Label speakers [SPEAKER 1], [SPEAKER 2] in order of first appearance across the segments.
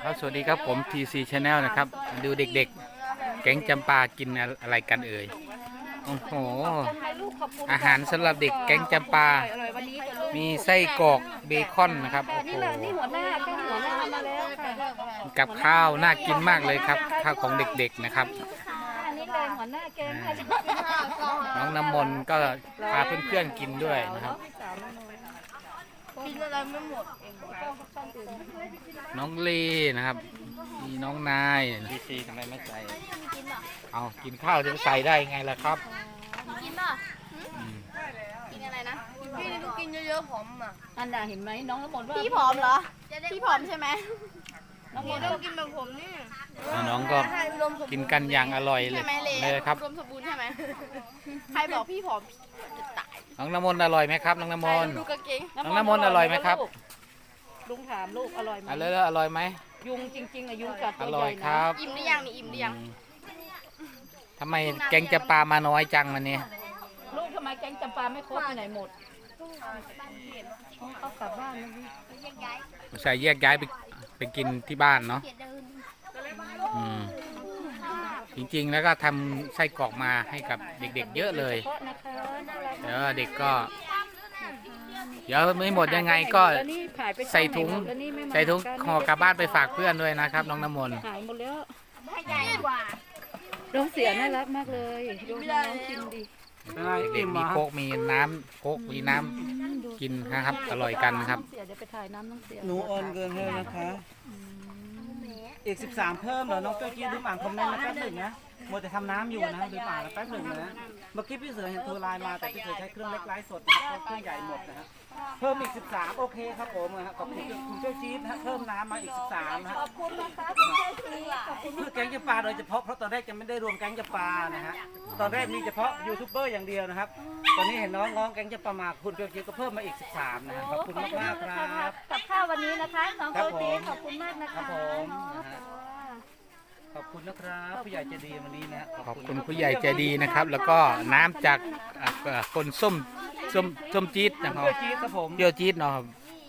[SPEAKER 1] ครับสวัสดีครับผม TC Channel นะครับดูเด็กๆแก๊งจำปากินอะไรกันเอ่ยโอ้โหอาหารสำหรับเด็กแก๊งจำปามีไส้กรอกเบคอนนะครับโอ้โห
[SPEAKER 2] นี่หัวหน้าก็หัวหน้ามาแล้วค่ะ
[SPEAKER 1] กับข้าวน่ากินมากเลยครับข้าวของเด็กๆนะครับ
[SPEAKER 2] อันนี้เลยหัวหน้าแกงค่ะ
[SPEAKER 1] น้องน้ำมนต์ก็พาเพื่อนๆกินด้วยนะครับ
[SPEAKER 2] กินอะไรไม่หมดเอง
[SPEAKER 1] น้องลีนะครับมีน้องนาย
[SPEAKER 3] ซีทำไมไม่ใส่
[SPEAKER 1] เอากินข้าวจะใส่ได้ไงล่ะครับ
[SPEAKER 4] กินป่ะ
[SPEAKER 1] อืม
[SPEAKER 4] กินอะไรนะ พี่นี่ก็กินเยอะๆผอมอ่ะ
[SPEAKER 2] อันดาเห็นไหมน้องน้ำมนต์ว่า
[SPEAKER 4] พี่ผอมเหรอ พี่ผอมใช่ไหม
[SPEAKER 2] น้องมนต์
[SPEAKER 4] ต้องกินแบบผมนี่
[SPEAKER 1] น้องๆก็กินกันอย่างอร่อยเลย
[SPEAKER 4] ใช่ไหม
[SPEAKER 1] เลยครับ
[SPEAKER 4] รวมสมบูรณ์ใช่ไหม ใครบอกพี่ผอมจะตาย
[SPEAKER 1] น้องน้ำมนต์อร่อยไหมครับน้องน้ำมนต์
[SPEAKER 4] ดูกางเกง
[SPEAKER 1] น้องน้ำมนต์อร่อยไหมครับ
[SPEAKER 2] ลุงถามลูกอร่อยไหม
[SPEAKER 1] อร่อยไหม
[SPEAKER 2] ยุงจริงๆอะยุงกัด
[SPEAKER 1] อ
[SPEAKER 2] ตัว
[SPEAKER 1] ร่
[SPEAKER 2] ให
[SPEAKER 1] อย
[SPEAKER 2] ญ่
[SPEAKER 1] ค
[SPEAKER 2] นะ
[SPEAKER 1] รับ
[SPEAKER 4] อิ่มหรือยังนี่อิ่มหรือยัง
[SPEAKER 1] ทำไมแกงจะปลามาน้อยจังวันนี้
[SPEAKER 2] ลูกทำไมแกงจำปาไม่ครบไปไหนหมดเขากลับบ้านแล้วพี่
[SPEAKER 1] ใส่แยกย้ายไปกินที่บ้านเนาะอืมจริงๆแล้วก็ทำไส้กรอกมาให้กับเด็กๆเยอะเลย
[SPEAKER 2] เพราะนะคะน่ารัก
[SPEAKER 1] เดี๋ยวเด็กก็เดี๋ยวไม่หมดยังไงก็
[SPEAKER 2] แล้วนี่ขายไป
[SPEAKER 1] ใส่ถุง
[SPEAKER 2] แล้วนี่ไม่มา
[SPEAKER 1] ใส่ถุงห่อกลับบ้านไปฝากเพื่อนด้วยนะครับ น้องน้ำมนต์
[SPEAKER 2] หายหมดแล้ว
[SPEAKER 4] ให้ใหญ่กว่า
[SPEAKER 2] น้องเสียน่ารักมากเลยดูน้องกินดิ
[SPEAKER 1] เด็กๆมีโค้กมีน้ำโค้กมีน้ำกินนะครับ อร่อยกันครับ
[SPEAKER 2] น้องเสียเดี๋ยวไปถ่ายน้ำน้องเสีย
[SPEAKER 3] หนูโอนเกินให้นะคะ อีก 13 เพิ่มเหรอ น้องเจ้ากี้ลืมอ่านคอมเมนต์นะแป๊บหนึ่งนะมัวแต่ทำน้ำอยู่นะลืมอ่านแล้วแป๊บหนึ่งนะ เมื่อกี้พี่เสือเห็นโทรไลน์มาแต่พี่เสือใช้เครื่องเล็กไลฟ์สดนะครับเครื่องใหญ่หมดนะฮะเพิ่มอีก 13 โอเคครับผมนะฮะขอบคุณคุณเจ้าจี๊ดนะฮะเพิ่มน้ำมาอีก 13 นะฮะ
[SPEAKER 2] ขอบคุณนะคะคุณเจสีขอบคุณ
[SPEAKER 3] เพื่อแก๊งจะปลาโดยเฉพาะเพราะตอนแรกจะไม่ได้รวมแก๊งจะปลานะฮะตอนแรกมีเฉพาะยูทูบเบอร์อย่างเดียวนะครับ ตอนนี้เห็นน้องๆแก๊งจะปลามาคุณเจ้าจี๊ดก็เพิ่มมาอีก 13 นะฮะขอบคุณมากๆครับ
[SPEAKER 2] กับข้าววันนี้นะคะน้อง
[SPEAKER 3] ครั
[SPEAKER 2] โก
[SPEAKER 3] บผม
[SPEAKER 2] ตีขอบคุณมากนะคะ
[SPEAKER 3] ครับผม
[SPEAKER 2] น้อง
[SPEAKER 3] นะฮะ ขอบคุณนะครับผู้ใหญ่ใจดีวันนี้นะ
[SPEAKER 1] ขอบคุณผู้ใหญ่ใจดีนะครับ แล้วก็น้ำจากคนส้มจี๊ดนะครับ
[SPEAKER 3] เพื่อจี๊ดครับผม
[SPEAKER 1] เปรี้ยวจี๊ดเนาะครับ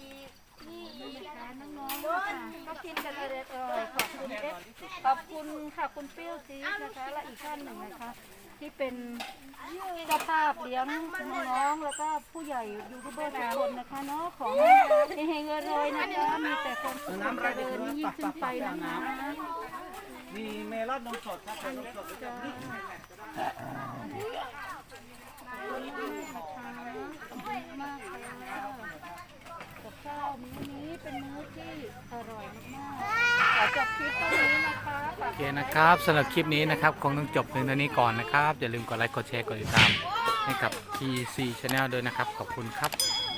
[SPEAKER 2] น้องๆค่ะก็กินกันเลยขอบคุณขอบคุณค่ะคุณเปรี้ยวจี๊ดนะคะและอีกท่านหนึ่งนะคะ ที่เป็นเจ้าภาพเลี้ยงน้องๆแล้วก็ผู้ใหญ่ยูทูบเบอร์ทุกคนนะคะเนาะของเฮงๆรวยๆนะคะมีแต่ความสุขความเจริญยิ่งขึ้นไปนะคะ
[SPEAKER 3] มีเมลอนนมสดครับนมสดด้วยกันนี่
[SPEAKER 2] มากเลยกับข้าวมื้อนี้เป็นมื้อที่อร่อยมากๆขอจบคลิปเท่านี้นะคะ
[SPEAKER 1] โอเคนะครับสำหรับคลิปนี้นะครับคงต้องจบเพียงเท่านี้ก่อนนะครับอย่าลืมกดไลค์กดแชร์กดติดตามให้กับ TC Channel ด้วยนะครับขอบคุณครับ